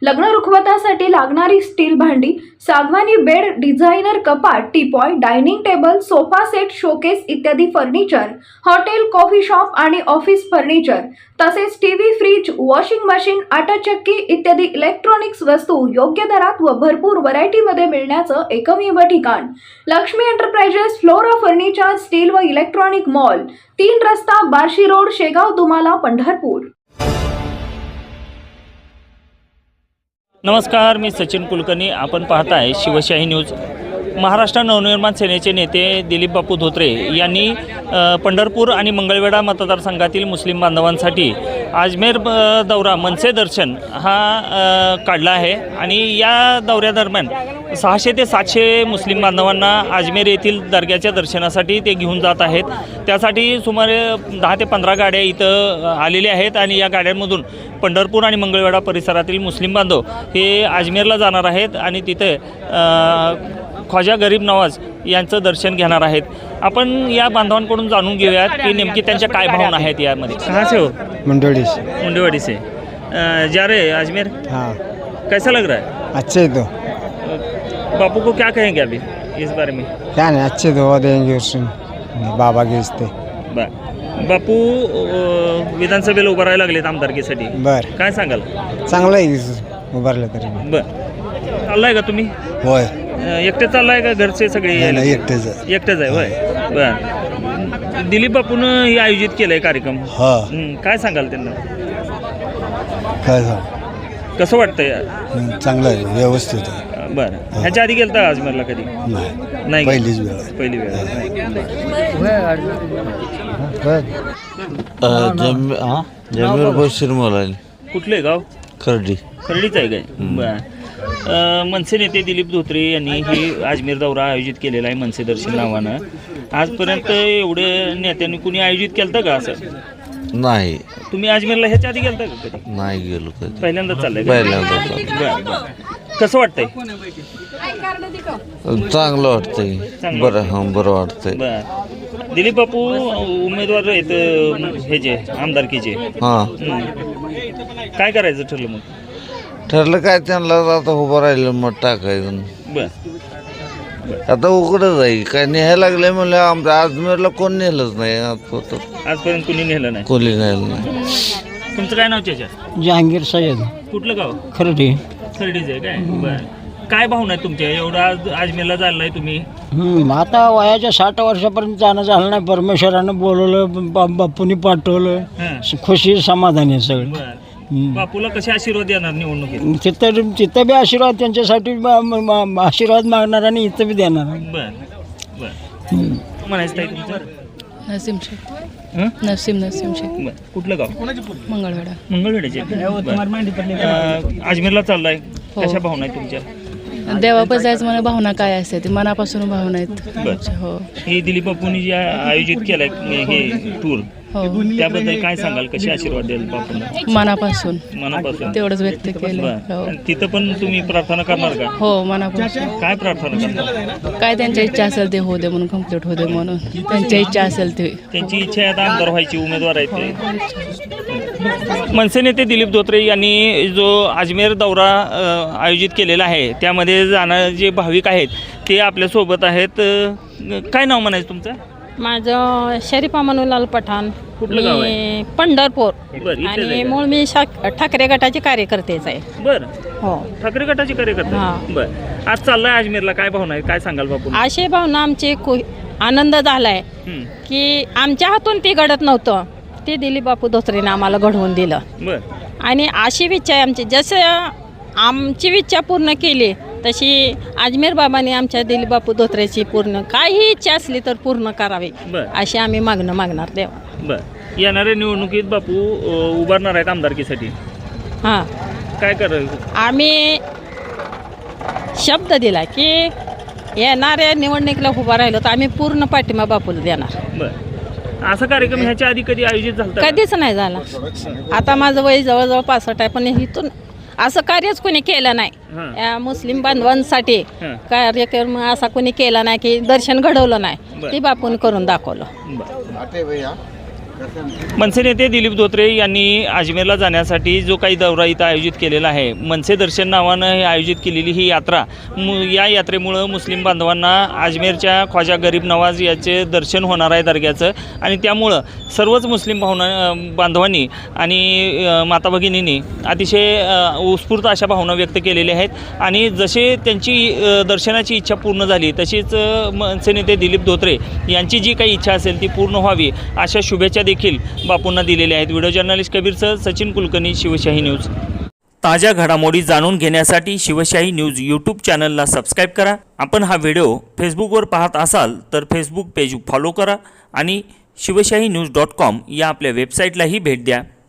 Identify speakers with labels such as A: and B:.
A: लग्न रुखवतासाठी लागणारी स्टील भांडी, सागवानी बेड, डिझायनर कपाट, teapoy, dining table, sofa set, showcase इत्यादी फर्निचर, हॉटेल, कॉफी शॉप आणि ऑफिस फर्निचर, तसेच टीव्ही, फ्रीज, वॉशिंग मशीन, आटा चक्की इत्यादी इलेक्ट्रॉनिक्स वस्तू योग्य दरात व भरपूर व्हरायटीमध्ये मिळण्याचं एकमेव ठिकाण Lakshmi enterprises Flora furniture steel व इलेक्ट्रॉनिक मॉल, 3 रस्ता, बार्शी रोड, शेगाव, दुमाला, पंढरपूर।
B: नमस्कार, मी सचिन कुलकर्णी। आपण पाहताय शिवशाही न्यूज। महाराष्ट्र नवनिर्माण सेनेचे नेते दिलीप बापू धोत्रे यांनी पंढरपूर आणि मंगळवेढा मतदारसंघातील मुस्लिम बांधवांसाठी अजमेर दौरा मनसे दर्शन हा काढला आहे आणि या दौऱ्यादरम्यान 600 ते 700 मुस्लिम बांधवांना अजमेर येथील दर्ग्याच्या दर्शनासाठी ते घेऊन जात आहेत। त्यासाठी सुमारे 10 ते 15 गाड्या इथं आलेल्या आहेत आणि या गाड्यांमधून पंढरपूर आणि मंगळवेढा परिसरातील मुस्लिम बांधव हे अजमेरला जाणार आहेत आणि तिथे ख्वाजा गरीब नवाज यांचं दर्शन घेणार आहेत। आपण या बांधवांकडून जाणून घेऊयात की नेमकी त्यांच्या काय भावना आहेत यामध्ये। कहाँ से हो? मुंडेवाड़ी से जा रहे हैं अजमेर।
C: हाँ,
B: कैसा लग रहा है?
C: अच्छे तो
B: बापू को क्या कहेंगे अभी इस बारे में?
C: क्या नहीं, अच्छे दुआ देंगे उसमें बाबा के इस्ते।
B: बापू विधानसभेला उभं राहायला लागलेत आमदारकीसाठी,
C: बर
B: काय सांगाल?
C: चांगलं आहे उभारलं तरी।
B: बर, चाललाय का तुम्ही?
C: होय,
B: एकटे चाललाय का घरचे सगळे?
C: नाही एकटेच।
B: एकटेच आहे होय। बर, दिलीप बापून हे आयोजित केलंय कार्यक्रम,
C: हा,
B: काय सांगाल त्यांना?
C: काय सांग,
B: कसं वाटतंय?
C: चांगलं आहे, व्यवस्थित आहे।
B: बरं, ह्याच्या आधी गेलता अजमेरला कधी? नाही,
C: पहिलीच वेळ आहे।
B: पहिली वेळ आहे।
D: जमीर बशीर मोलानी।
B: कुठले गाव?
D: खर्डी।
B: खर्डीच आहे काय? बरं, मनसे नेते दिलीप धोत्रे यांनी ही अजमेर दौरा आयोजित केलेला आहे मनसे दर्शन नावानं। आजपर्यंत एवढे नेत्यांनी कुणी आयोजित केलं का असं?
D: नाही,
B: तुम्ही अजमेरला ह्याच्या आधी गेलता का कधी?
D: नाही गेलो कधी,
B: पहिल्यांदाच चाललंय का?
D: पहिल्यांदा चाललंय।
B: बरं बरं, कसं वाटतंय?
D: चांगलं वाटतंय, बरं, हां बरं वाटतंय।
B: बरं, दिलीप बापू उमेदवार आहेत हे जे आमदारकीचे,
D: हां,
B: काय करायचं ठरलं मग?
D: ठरलं काय, त्यांना आता उभं राहिलं मग टाकायचं।
B: बरं,
D: आता उघडच आहे, काय न्यायला लागले म्हणलं, आमच्या अजमेरला कोण नेलंच नाही
B: आजपर्यंत कुणी नेलं नाही।
D: कोणी नेलं नाही।
B: तुमचं काय नाव त्याच्या?
C: जहांगीर सय्यद,
B: कुठलं गाव?
C: खर्डी।
B: खर्डीच आहे काय? बरं, काय भावना आहे तुमच्या? एवढा अजमेरला चाललाय तुम्ही?
C: आता वयाच्या 60 वर्षापर्यंत जाणं झालं नाही, परमेश्वरानं बोलवलं, बापूंनी पाठवलं,
B: हां,
C: खुशी समाधानी आहे सगळं।
B: बरं, बापूला कसे आशीर्वाद देणार निवडणुकीत?
C: तिथं बी आशीर्वाद त्यांच्यासाठी आशीर्वाद मागणार आणि इथं बी देणार।
B: बरं बरं, म्हणायचं ताई तुमचं?
E: नसीम शेख। नसीम शेख।
B: बरं, कुठलं गाव?
E: मंगळवेढा।
B: मंगळवेढ्याचे? अजमेरला चाललाय, कशा भावना आहेत तुमच्या?
E: देवापास जायचं मला भावना काय असते ती मनापासून भावना आहेत। हो
B: हे दिलीप बापूंनी जे आयोजित केलंय हे टूर,
E: हो,
B: त्याबद्दल काय सांगाल? कसे आशीर्वाद द्याल बापूंना?
E: मनापासून
B: तेवढंच
E: व्यक्त केलं। हो,
B: तिथं पण तुम्ही प्रार्थना करणार का?
E: हो, मनापासून।
B: काय प्रार्थना करणार?
E: काय त्यांच्या इच्छा असेल ते होऊ दे म्हणून, कम्प्लीट होऊ दे म्हणून त्यांच्या इच्छा असेल ते।
B: त्यांची इच्छा आहे आता आमदार व्हायची, उमेदवार आहेत ते। मनसे नेते दिलीप धोत्रे यांनी जो अजमेर दौरा आयोजित केलेला आहे त्यामध्ये जाणारे जे भाविक आहेत ते आपल्यासोबत आहेत। काय नाव म्हणायचं तुमचं?
F: माझं शरीफा मनोलाल पठाण।
B: कुठलं गाव आहे?
F: मी पंढरपूर
B: बरं, इथेच आहे
F: आणि
B: का?
F: मूळ मी ठाकरे गटाचे कार्यकर्तेच आहे।
B: बरं,
F: हो,
B: ठाकरे गटाचे कार्यकर्ते?
F: हां.
B: बरं, आज चाललाय अजमेरला, काय भावना आहे? काय सांगाल बापू?
F: अशी भावना आमची आनंद झालाय की आमच्या हातून ते घडत नव्हतं, ते दिलीप बापू धोत्रेने आम्हाला घडवून दिलं।
B: बरं,
F: आणि अशी इच्छा आहे आमची, जसं आमची इच्छा पूर्ण केली तशी अजमेर बाबांनी आमच्या दिलीप बापू धोत्रेची पूर्ण काही इच्छा असली तर पूर्ण करावी, अशी आम्ही मागणार देवा।
B: बरं, येणाऱ्या निवडणुकीत बापू उभारणार आहेत आमदारकीसाठी,
F: हां,
B: काय करायचं?
F: आम्ही शब्द दिला की येणाऱ्या निवडणुकीला उभा राहिलो तर आम्ही पूर्ण पाठिंबा बापूला देणार।
B: बरं, असा कार्यक्रम ह्याच्या आधी कधी आयोजित झाला?
F: कधीच नाही झाला। आता माझं वय जवळजवळ 65 आहे, पण इथून असं कार्यच कोणी केलं नाही। या मुस्लिम बांधवांसाठी कार्यक्रम असा कोणी केला नाही की दर्शन घडवलं नाही, ते बापून करून दाखवलं।
B: मनसे नेते दिलीप धोत्रे यांनी अजमेरला जाण्यासाठी जो काही दौरा इथं आयोजित केलेला आहे, मनसे दर्शन नावानं हे आयोजित केलेली ही यात्रा, या यात्रेमुळं मुस्लिम बांधवांना अजमेरच्या ख्वाजा गरीब नवाज याचे दर्शन होणार आहे दर्ग्याचं, आणि त्यामुळं सर्वच मुस्लिम बांधवांनी आणि माता भगिनींनी अतिशय उत्स्फूर्त अशा भावना व्यक्त केलेल्या आहेत। आणि जसे त्यांची दर्शनाची इच्छा पूर्ण झाली तशीच मनसे नेते दिलीप धोत्रे यांची जी काही इच्छा असेल ती पूर्ण व्हावी अशा शुभेच्छा देखील बापूंना दिलेल्या आहेत। व्हिडिओ जर्नलिस्ट कबीरसह सचिन कुलकर्णी, शिवशाही न्यूज। ताज्या घडामोडी जाणून घेण्यासाठी शिवशाही न्यूज यूट्यूब चॅनलला सबस्क्राईब करा। आपण हा व्हिडिओ फेसबुकवर पाहत असाल तर फेसबुक पेज फॉलो करा आणि शिवशाही न्यूज.com या आपल्या वेबसाईटलाही भेट द्या।